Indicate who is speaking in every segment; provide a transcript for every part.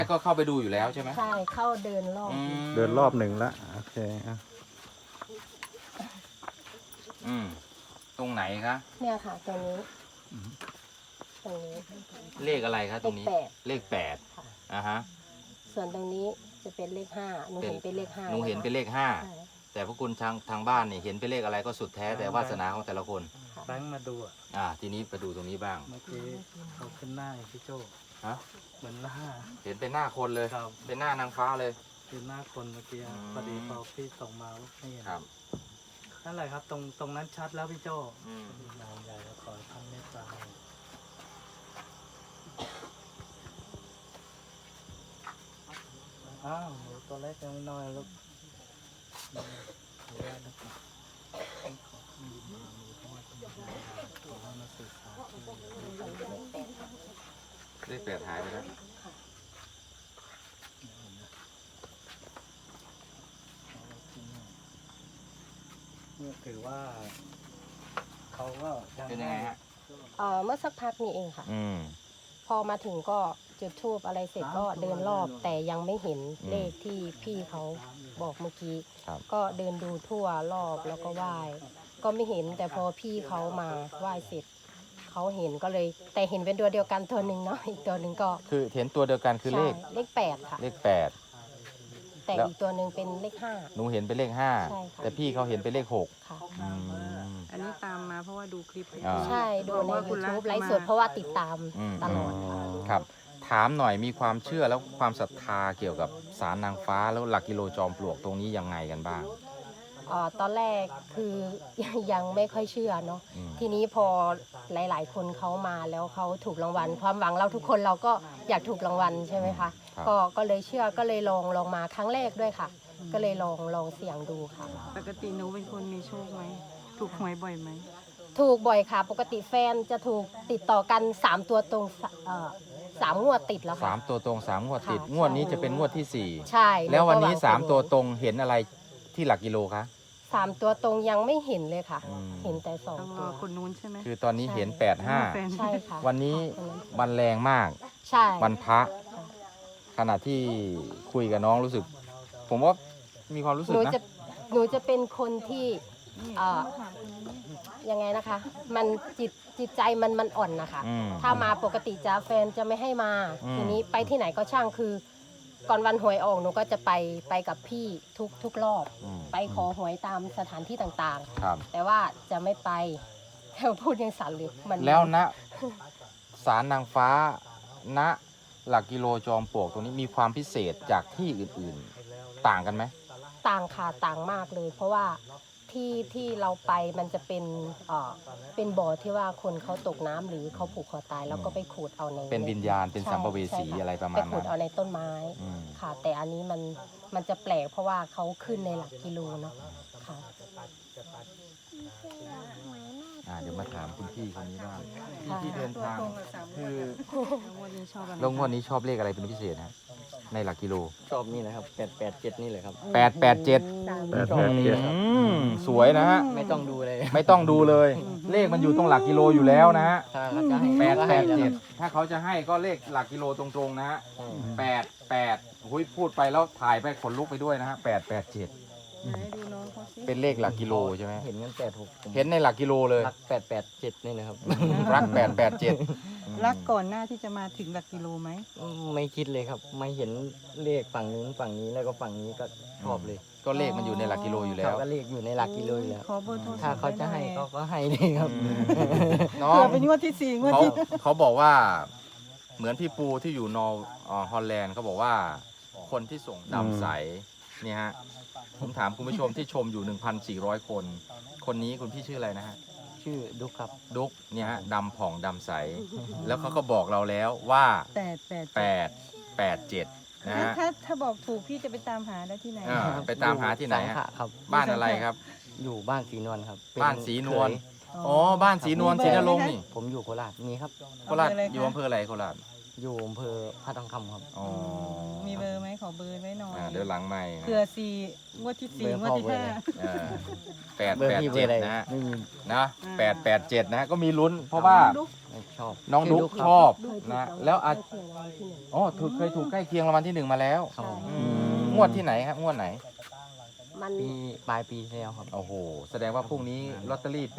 Speaker 1: ก็เข้าไปดูอยู่แล้วใช่ไหม
Speaker 2: ใช่เข้าเดินรอบ
Speaker 3: เดินรอบหนึ่งละโอเคอ่ะ
Speaker 1: ตรงไหนคะ
Speaker 2: เนี่ยค่ะตรงนี้ตรงนี้
Speaker 1: เลขอะไรคะตรงนี้ เลข 8
Speaker 2: ค่ะ
Speaker 1: อ่าฮะ
Speaker 2: ส่วนตรงนี้จะเป็นเลข5หนูเห็นเป็นเลข5
Speaker 1: หนูเห็นเป็นเลข
Speaker 2: ใช่
Speaker 1: 5แต่พวกคุณทางบ้านเนี่ยเห็นเป็นเลขอะไรก็สุดแท้แต่วาสนาของแต่ละคน
Speaker 4: แบงค์มาดู
Speaker 1: ทีนี้ไปดูตรงนี้บ้าง
Speaker 4: เมื่อกี้เขาขึ้นหน้าพี่โจ
Speaker 1: ฮะ
Speaker 4: เหมือนหน้า
Speaker 1: เห็นเป็นหน้าคนเลย
Speaker 4: ครับ
Speaker 1: เป็นหน้านางฟ้าเลย
Speaker 4: คือหน้าคนเมื่อกี้พอดีพอพี่ส่งมาไม่เห็น
Speaker 1: ครับ
Speaker 4: นั่นแหละครับตรงนั้นชัดแล้วพี่โจ
Speaker 1: อืม
Speaker 4: นานใหญ่แล้วขอท่านเมตตาอ้าวหนูตัวเล็กยังไม่น้อยลูก
Speaker 1: เลข 8หายไปแล้ว
Speaker 4: นี่ถือว่าเขาก็ยัง
Speaker 1: เป็นยังไงฮะ
Speaker 2: เมื่อสักพักนี้เองค่ะ
Speaker 1: อืม
Speaker 2: พอมาถึงก็จุดธูปอะไรเสร็จก็เดินรอบ แต่ยังไม่เห็นเลขที่พี่เขาบอกเมื่อกี้
Speaker 1: ครับ
Speaker 2: ก็เดินดูทั่วรอบแล้วก็ไหว้ก็ไม่เห็นแต่พอพี่เขามาไหว้เสร็จเขาเห็นก็เลยแต่เห็นเป็นตัวเดียวกันตัวหนึ่งเนาะอีกตัวหนึ่งก็
Speaker 1: คือเห็นตัวเดียวกันคือเลข
Speaker 2: ใช่เลข8ค่ะ
Speaker 1: เลข 8
Speaker 2: แต่
Speaker 1: แล้ว
Speaker 2: อีกตัวหนึ่งเป็นเลข
Speaker 1: หนูเห็นเป็นเลข
Speaker 2: ใช่
Speaker 1: 5
Speaker 2: ค่ะ
Speaker 1: แต่พี่เขาเห็นเป็นเลข
Speaker 2: 5ค่ะ
Speaker 1: 6 อืม
Speaker 5: อันนี้ตามมาเพราะว่าดูคลิป
Speaker 1: อ่า
Speaker 2: ใช่ดูใน
Speaker 5: บอกว่าคุณรัก
Speaker 2: YouTube ไลฟ์
Speaker 5: มา
Speaker 2: สดเพราะว่าติดตาม
Speaker 1: อืม
Speaker 2: ตลอด
Speaker 1: ครับ ถามหน่อยมีความเชื่อแล้วความศรัทธาเกี่ยวกับศาลนางฟ้าแล้วหลักกิโลจอมปลวกตรงนี้ยังไงกันบ้าง
Speaker 2: ตอนแรกคือ ยังไม่ค่อยเชื่อเนาะ
Speaker 1: อืม
Speaker 2: ทีนี้พอหลายๆ คนเขามาแล้วเขาถูกรางวัล ความหวังเราทุกคนเราก็อยากถูกรางวัลใช่ไหมคะ
Speaker 1: ครับ
Speaker 2: ก็เลยเชื่อก็เลยลองมาครั้งแรกด้วยค่ะ ก็เลยลองเสี่ยงดูค่ะ
Speaker 5: ปกติหนูเป็นคนมีโชคไหม ถูกหวยบ่อยไหม
Speaker 2: ถูกบ่อยค่ะ ปกติแฟนจะถูกติดต่อกัน3ตัวตรง3 งวดติดแล้วค่ะ
Speaker 1: 3 ตัวตรง 3 งวดติด
Speaker 2: ค่ะ
Speaker 1: งวดนี้จะเป็นงวดที่
Speaker 2: ใช่
Speaker 1: 4 แล้ววันนี้
Speaker 2: ก็หงผล
Speaker 1: 3 ตัวตรงเห็นอะไรที่หลักกิโลคะ
Speaker 2: 3 ตัวตรงยังไม่เห็นเลยค่ะ
Speaker 1: อืม
Speaker 2: เห็นแต่สอง
Speaker 5: ต้องร
Speaker 2: ตั
Speaker 5: อ
Speaker 2: ว
Speaker 5: คนนู้นใช่ไหม
Speaker 1: คือตอนนี้เห็น
Speaker 2: ใช่
Speaker 5: แฟ
Speaker 1: 85
Speaker 5: น
Speaker 2: ใช่ค่ะ
Speaker 1: วันนี้
Speaker 2: คนนั้น
Speaker 1: วันแรงมาก
Speaker 2: ใช่
Speaker 1: วันพระขณะที่คุยกับน้องรู้สึก ผมว่ามีความรู้สึ
Speaker 2: ห
Speaker 1: ก
Speaker 2: นู
Speaker 1: นะ
Speaker 2: จะเป็นคนที่ยังไงนะคะ มันจิตใจมันอ่อนนะคะ
Speaker 1: อืม
Speaker 2: ถ้ามาปกติจะแฟนจะไม่ให้มา
Speaker 1: อืม
Speaker 2: ทีนี้ไปที่ไหนก็ช่างคือ ก่อนวันหวยออกหนูก็จะไปกับพี่ทุกรอบ
Speaker 1: อืม
Speaker 2: ไปขอหวยตามสถานที่ต่าง
Speaker 1: ครับ
Speaker 2: ๆ แต่ว่าจะไม่ไป พูดยังสั่นเลยมัน
Speaker 1: แล้วณศาลนางฟ้าณหลักกิโลจอมปลวกตรงนี้มีความพิเศษจากที่อื่นๆ ต่างกันไหม
Speaker 2: ต่างค่ะต่างมากเลย เพราะว่าที่เราไปมันจะเป็นบ่อที่ว่าคนเขาตกน้ำหรือเขาผูกคอตายแล้วก็ไปขูดเอาใน
Speaker 1: เป็นวิญญาณเป็น
Speaker 2: ใช่
Speaker 1: สัมภเวสี
Speaker 2: ใช่ค่
Speaker 1: อะไรประมา
Speaker 2: ไป
Speaker 1: ณ
Speaker 2: ขู
Speaker 1: นั้
Speaker 2: ด
Speaker 1: น
Speaker 2: เอาในต้นไม้
Speaker 1: อืม
Speaker 2: ค่ะ แต่อันนี้มันจะแปลกเพราะว่าเขาขึ้นในหลักกิโลเนาะค่ะ
Speaker 1: เดี๋ยวมาถามคุณพี่คนนี้บ้าง
Speaker 2: ค่ะ
Speaker 1: ที่เดินทางคือ
Speaker 5: วันนี้ชอบอะไร
Speaker 1: แล้วงวดนี้ชอบเลขอะไรเป็นพิเศษฮะในหลักกิโล
Speaker 6: ชอบนี่นะครับ887นี่เลยครับ
Speaker 1: 887
Speaker 3: 887
Speaker 1: สวยนะฮะ
Speaker 6: ไม่ต้องดูเลย
Speaker 1: ไม่ต้องดูเลย เลขมันอยู่ตรงหลักกิโลอยู่แล้วนะฮะ
Speaker 6: ถ้าเขาจะให้ก็ให้แล้วครับ
Speaker 1: 887ถ้าเขาจะให้ก็เลขหลักกิโลตรงๆนะฮะ
Speaker 6: อืม
Speaker 1: 88หุยพูดไปแล้วถ่ายไปขนลุกไปด้วยนะฮะ887
Speaker 5: ไหนดูน้องเขาสิ
Speaker 1: เป็นเลขหลักกิโลใช่ไหม
Speaker 6: เห็นกัน86ผม
Speaker 1: เห็นในหลักกิโลเลย
Speaker 6: รัก887นี่นะครับ
Speaker 1: รัก 887
Speaker 5: รักก่อนหน้าที่จะมาถึงหลักกิโลไหม
Speaker 6: ไม่คิดเลยครับ ไม่เห็นเลขฝั่งนู้นฝั่งนี้แล้วก็ฝั่งนี้ก็ชอบเลย
Speaker 1: ก็เลขมันอยู่ในหลักกิโลอยู่แล้ว
Speaker 6: เขาก็เลขอยู่ในหลักกิโลอยู่แล้ว
Speaker 5: ขอเบอร์โทรศัพท์
Speaker 6: ถ้าเขาจะให้
Speaker 5: ได้ไหม
Speaker 6: เขาก็ให้เลยครับ
Speaker 1: น้อง
Speaker 5: เผื่อเป็นงวดที่4งวด
Speaker 1: เขา
Speaker 5: ที่
Speaker 1: เขาบอกว่าเหมือนพี่ปูที่อยู่ฮอลแลนด์เขาบอกว่าคนที่ส่งดำใสเนี่ยฮะผมถามคุณผู้ชมที่ชมอยู่ 1,400 คน คนนี้คุณพี่ชื่ออะไรนะฮะ
Speaker 6: ชื่อดุกครับ
Speaker 1: ดุ๊กเนี่ยฮะดำผ่องดำใส แล้วเขาก็บอกเราแล้วว่า 887 นะฮะ
Speaker 5: ถ้าบอกถูกพี่จะไปตามหาได้ที่ไหน
Speaker 1: ไปตามหาที่ไหน
Speaker 6: สัง
Speaker 1: ฮะ
Speaker 6: ขะครับ
Speaker 1: บ้านอะไรครับ
Speaker 6: อยู่บ้านศรีนวลครับเป็
Speaker 1: บ้านศรีนวล
Speaker 6: เคย
Speaker 1: อ๋อบ้านศรีนวลศรีนรงค์นี่
Speaker 6: ผมอยู่โคราชมีครับ
Speaker 1: โคราชอยู่อำเภออะไรโคราช
Speaker 6: อยู่อำเภอพระทองคำครับ
Speaker 1: อ๋อ
Speaker 5: มีเบอร์ไหมขอเบอร์ไว้หน่อย
Speaker 1: เดี๋ยวหลังใหม่
Speaker 5: เผื่อสี่งวดที่สี่งวดที่ห้า
Speaker 1: 8
Speaker 6: เบอร์พี่เบอร์อะไร
Speaker 1: 8 7นะฮะ
Speaker 6: ไม่มี
Speaker 1: นะ8 8 7นะฮะก็มีลุ้น เพราะว่า
Speaker 6: ไม่ชอบ
Speaker 1: น้องดุ๊ก
Speaker 6: ชื่
Speaker 1: ชอบ
Speaker 2: เคยถูก
Speaker 1: นะ
Speaker 2: รางวัล
Speaker 1: แล้วอาจ
Speaker 2: ใกล้เคียงรางวัลที่หนึ่ง
Speaker 1: อ๋อเคยถูกใกล้เคียงรางวัลที่ 1 มาแล้ว
Speaker 6: ครับผม
Speaker 1: งวดที่ไหนครับงวดไหน
Speaker 2: มัน
Speaker 6: ปีปลายปีที่แล้วครับ
Speaker 1: โอ้โห แสดงว่าพรุ่งนี้ลอตเตอรี่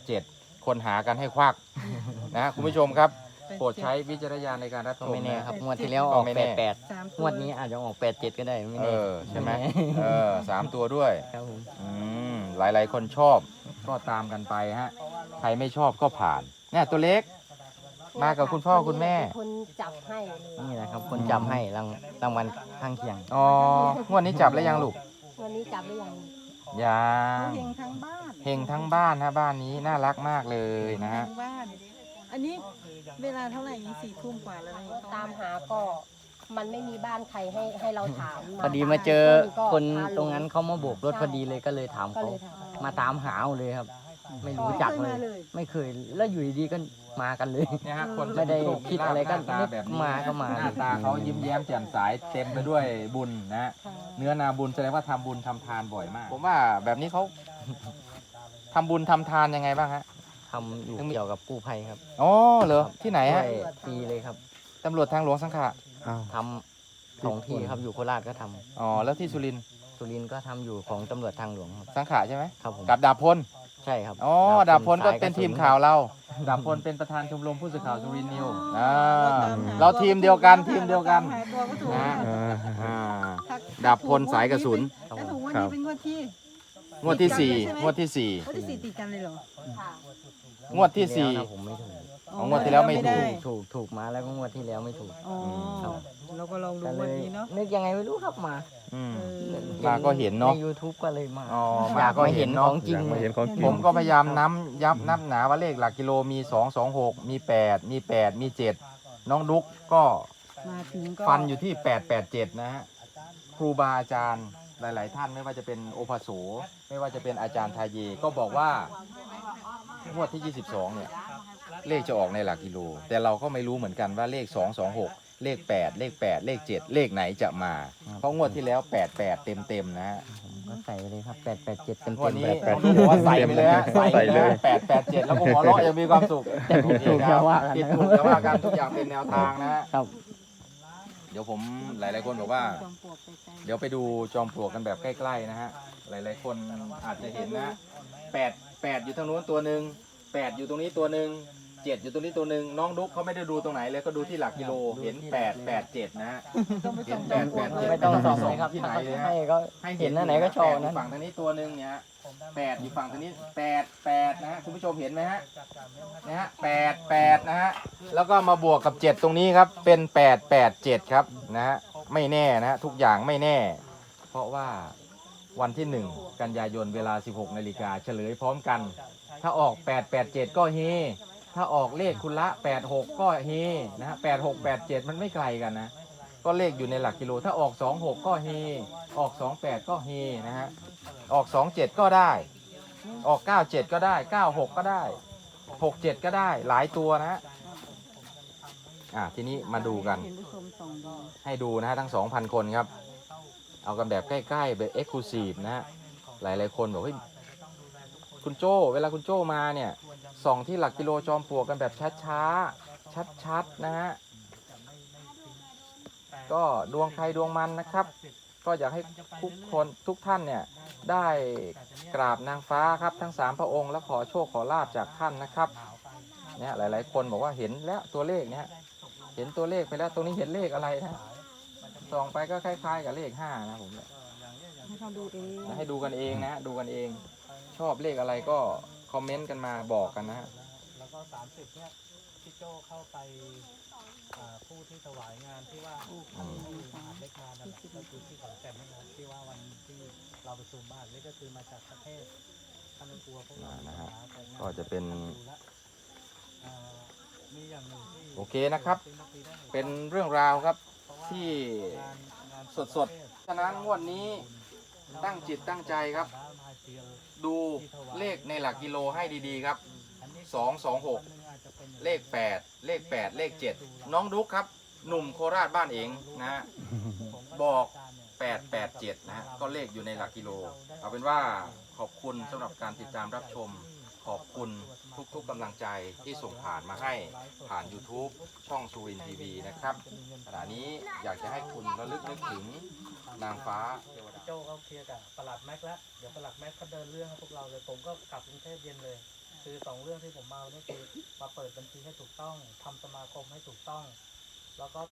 Speaker 1: 887 คนหากันให้ควักนะคุณผู้ชมครับ โปรดใช้วิจารณญาณในการรับ
Speaker 6: ก็
Speaker 1: ชม
Speaker 6: ไม่แน่
Speaker 1: นะครับ
Speaker 6: งวดที่แล้วออก
Speaker 1: ก็ไม่แน่
Speaker 6: 88
Speaker 5: สามตั
Speaker 6: งวดนี้อาจจะออก87ก็ได้ไม่
Speaker 1: เอ
Speaker 6: แน่
Speaker 1: อใช่ไหม
Speaker 6: แน่
Speaker 1: 3 ตัวด้วย
Speaker 6: ครับผม
Speaker 1: หลายๆ คนชอบก็ตามกันไปฮะ ใครไม่ชอบก็ผ่านเนี่ยตัวเล็ก มากับคุณพ่อคุณแม่
Speaker 2: เป็นคนจับให้เลย
Speaker 6: นี่นะครับคนจำให้รางวัลข้างเคียง
Speaker 1: อ๋องวดนี้จับแล้วยังลูก
Speaker 2: วันนี้จับได้ยัง
Speaker 1: ยัง
Speaker 5: เฮงทั้งบ้าน
Speaker 1: เฮงทั้งบ้านฮะบ้านนี้น่ารักมากเลยนะฮะ
Speaker 5: ทั้งบ้าน อันนี้เวลาเท่าไหร่นี่4 ทุ่มกว่าแล้วนี่
Speaker 2: ตามหาก็มันไม่มีบ้านใครให้เราถาม
Speaker 6: พอดีมาเจอ
Speaker 2: ก็
Speaker 6: คน
Speaker 2: พา
Speaker 6: ตรงนั้นเขามาโบกรถพอดีเลยก็เลยถาม
Speaker 2: ก็
Speaker 6: เขา
Speaker 2: เลยถาม
Speaker 6: มาตามหาเอาเลยครับ ไม่รู้จักเลย ไม่เคยแล้วอยู่ดีๆก็มากันเลย
Speaker 1: เนี่ยฮะคน
Speaker 6: ไม่ได้คิดอะไรก็
Speaker 1: หน้าตาแบบนี้
Speaker 6: มาก็มา
Speaker 1: หน้าตาเขายิ้มแย้มแจ่มใสเต็มไปด้วยบุญนะฮะ
Speaker 2: ค่ะ
Speaker 1: เนื้อนาบุญแสดงว่าทำบุญทำทานบ่อยมาก ผมว่าแบบนี้เขา ทำบุญทำทานยังไงบ้างฮะ
Speaker 6: ทำอยู่เกี่ยวกับกู้ภัยครับ
Speaker 1: อ๋อเหรอที่ไหน
Speaker 6: ช่ว
Speaker 1: ฮะ
Speaker 6: ยฟรีเลยครับ
Speaker 1: ตำรวจทางหลวงสังขะ
Speaker 3: อ้าว
Speaker 6: ทำสองที่ครับอยู่โคราชก็ทำ
Speaker 1: อ๋อแล้วที่สุรินทร์
Speaker 6: สุรินทร์ก็ทำอยู่ของตำรวจทางหลวงครับ
Speaker 1: สังขะใช่ไหม
Speaker 6: ครับผม
Speaker 1: กับดาบพล
Speaker 6: ใช่ครับ
Speaker 1: อ๋อดาบพลก็
Speaker 6: สย
Speaker 1: เป็นทีม
Speaker 6: ระสุ
Speaker 1: ข่าวเรา ดาบพลเป็นประธานชมรมผู้สื่อข่าวสุรินทร์นิวเราทีมเดียวกันทีมเดียวกัน
Speaker 5: หาตัวก็ถูก
Speaker 1: นะ
Speaker 3: เออ
Speaker 1: อ่าดาบพลสายกระสุน
Speaker 6: ครับ
Speaker 5: ถ้า
Speaker 6: ผ
Speaker 5: ถูก
Speaker 6: ม
Speaker 5: วัน
Speaker 3: ครั
Speaker 5: นี้
Speaker 3: บ
Speaker 5: เป็นงวดที่
Speaker 1: งวดที่
Speaker 5: ติดกัน
Speaker 1: สี่
Speaker 5: เลยใช่ไหม
Speaker 1: งวดที่สี่
Speaker 5: งวดที่สี่ติดกันเลยเหรอ
Speaker 2: ค่ะ
Speaker 1: งวดที่สี่
Speaker 6: แล้วนะผมไม่ถูก
Speaker 1: งวดที่แล้วไม่ถู
Speaker 5: ด้
Speaker 6: ถูกมาแล้วก็งวดที่แล้วไม่ถูก
Speaker 5: อ๋อ
Speaker 6: ครับ
Speaker 5: เราก็ลองดู
Speaker 6: ก็เล
Speaker 5: วัน
Speaker 6: ย
Speaker 5: นี้เนาะ
Speaker 6: นึกยังไงไม่รู้ครับมา
Speaker 1: อืม
Speaker 5: เออ
Speaker 1: มาก็เห็นเนาะ
Speaker 6: ใน YouTube ก็เลยมา
Speaker 1: อ๋อ
Speaker 6: อ
Speaker 1: มาย
Speaker 6: าก
Speaker 1: ก็
Speaker 6: มา
Speaker 1: เห็
Speaker 6: เห็
Speaker 1: น
Speaker 6: นข
Speaker 1: เนาะ
Speaker 6: องจริง
Speaker 3: อยากมาเห็นของจริง
Speaker 1: ผมก็พยายามนับหนาว่าเลขหลักกิโลมี 226 มี 8 มี 8 มี 7 น้องดุ๊กก็
Speaker 5: มาถึงก็
Speaker 1: ฟันอยู่ที่ 887 นะฮะ ครูบาอาจารย์หลาย ๆ ท่านไม่ว่าจะเป็นโอภาโสไม่ว่าจะเป็นอาจารย์ทาเยก็บอกว่างวดที่ 22 เนี่ย เลขจะออกในหลักกิโล แต่เราก็ไม่รู้เหมือนกันว่าเลข 226 เลข 8 เลข 8 เลข 7 เลขไหนจะมา เพราะงวดที่แล้ว 88 เต็ม ๆ นะฮะ
Speaker 6: ก็ใส่ไปเลยครับ887เต็ม
Speaker 1: งวดนี้
Speaker 3: แปด
Speaker 1: น้องดุ๊กบอกว่าใส่ไปเลยฮะ
Speaker 3: ใส่
Speaker 1: ใส่
Speaker 3: เล
Speaker 1: เลย ย887 แล้วก็หัวเราะยังมีความสุข
Speaker 6: แต่ผิดถูกจะว่ากัน
Speaker 1: ผิด
Speaker 6: นะ
Speaker 1: ถูกจะว่ากันทุกอย่างเป็นแนวทางนะฮะ
Speaker 6: ครับ
Speaker 1: เดี๋ยวผมหลายๆคนบอกว่า
Speaker 5: จอมปลวกไปไกล
Speaker 1: เดี๋ยวไปดูจอมปลวกกันแบบใกล้ๆนะฮะ หลายๆคนอาจจะเห็นนะ8อยู่ทางนู้นตัวหนึ่ง8อยู่ตรงนี้ตัวหนึ่ง7อยู่ตรงนี้ตัวหนึ่งน้องดุ๊กเขาไม่ได้ดูตรงไหนเลยก็ดูที่หลักกิโลเห็น887นะฮะ
Speaker 5: ต้องไป
Speaker 1: เห็
Speaker 5: ส่
Speaker 1: น
Speaker 5: งจอมปลวกเลย
Speaker 6: ไม่ต้องส่องเลยครับ
Speaker 1: ที่ไหนเลยฮะ
Speaker 6: ให้ก็เห็นอันไหนก็ชอบ
Speaker 1: 8
Speaker 6: นั่น
Speaker 1: ยู่ฝั่งทางนี้ตัวหนึ่งเนี่ยฮะ8อยู่ฝั่งทางนี้8นะฮะคุณผู้ชมเห็นไหมฮะนะฮะ8นะฮะแล้วก็มาบวกกับ 7 ตรงนี้ครับเป็น887ครับนะฮะไม่แน่นะฮะทุกอย่างไม่แน่ เพราะว่าวันที่ 1 กันยายนเวลา 16 นาฬิกาเฉลยพร้อมกัน ถ้าออก 887 ก็เฮถ้าออกเลขคุณละ 86 ก็เฮนะฮะ86 87 มันไม่ไกลกันนะก็เลขอยู่ในหลักกิโลถ้าออก 26 ก็เฮออก 28 ก็เฮนะฮะออก 27 ก็ได้ ออก 97 ก็ได้ 96 ก็ได้ 67 ก็ได้หลายตัวนะฮะทีนี้มาดูกัน
Speaker 5: เห็นผู้ชมส่องดู
Speaker 1: ให้ดูนะฮะทั้ง 2,000 คนครับ เอากันแบบใกล้ๆแบบเอ็กซ์คลูซีฟนะฮะหลายๆคนบอกเฮ้ยคุณโจ้เวลาคุณโจ้มาเนี่ยส่องที่หลักกิโลจอมปลวกกันแบบช้าๆชัดๆนะฮะก็ดวงใครดวงมันนะครับ ก็อยากให้ทุกคนทุกท่านเนี่ยได้กราบนางฟ้าครับทั้ง3พระองค์แล้วขอโชคขอลาบจากท่านนะครับเนี่ยหลายๆคนบอกว่าเห็นแล้วตัวเลขเนี่ยเห็นตัวเลขไปแล้วตรงนี้เห็นเลขอะไรนะส่องไปก็คล้ายๆกับเลข5นะผมเนี่ย
Speaker 5: ให้เขาดูเอง
Speaker 1: ให้ดูกันเองนะดูกันเอง ชอบเลขอะไรก็คอมเมนต์กันมาบอกกันนะฮะ
Speaker 4: แล้วก็30เนี่ยพี่โจเข้าไปผู้ที่ถวายงานที่ว่าที่อาจเล็กงานนั่นแหละก็คือที่ขอนแก่นนั่นแหละที่ว่าวันที่เราประชุมบ้านนี่ก็คือมาจากประเทศท่านกลัวพวกเรา
Speaker 1: นะฮะ
Speaker 4: แต่งาน
Speaker 1: ก็จะเป็น
Speaker 4: ดูแล้วมีอย่างหนึ่งที่
Speaker 1: โอเคนะครับ เป็นเรื่องราวครับที่สดๆฉะนั้นงวดนี้ตั้งจิตตั้งใจครับ ดูเลขในหลักกิโลให้ดีๆครับ 226 เลข 8 เลข 8 เลข 7 น้องดุ๊กครับ หนุ่มโคราชบ้านเองนะฮะบอก 887นะฮะก็เลขอยู่ในหลักกิโลเอาเป็นว่าขอบคุณสำหรับการติดตามรับชมขอบคุณทุกๆกำลังใจที่ส่งผ่านมาให้ผ่าน YouTube ช่องสุรินทร์ทีวีนะครับขณะนี้อยากจะให้คุณระลึกนึกถึงนางฟ้าเทวดา
Speaker 4: โจเขาเคลียร์กับประหลัดแม็กแล้วเดี๋ยวประหลัดแม็กเขาเดินเรื่องให้พวกเราเลยผมก็กลับกรุงเทพเย็นเลย คือสองเรื่องที่ผมมาวันนี้คือมาเปิดบัญชีให้ถูกต้องทำสมาคมให้ถูกต้อง แล้วก็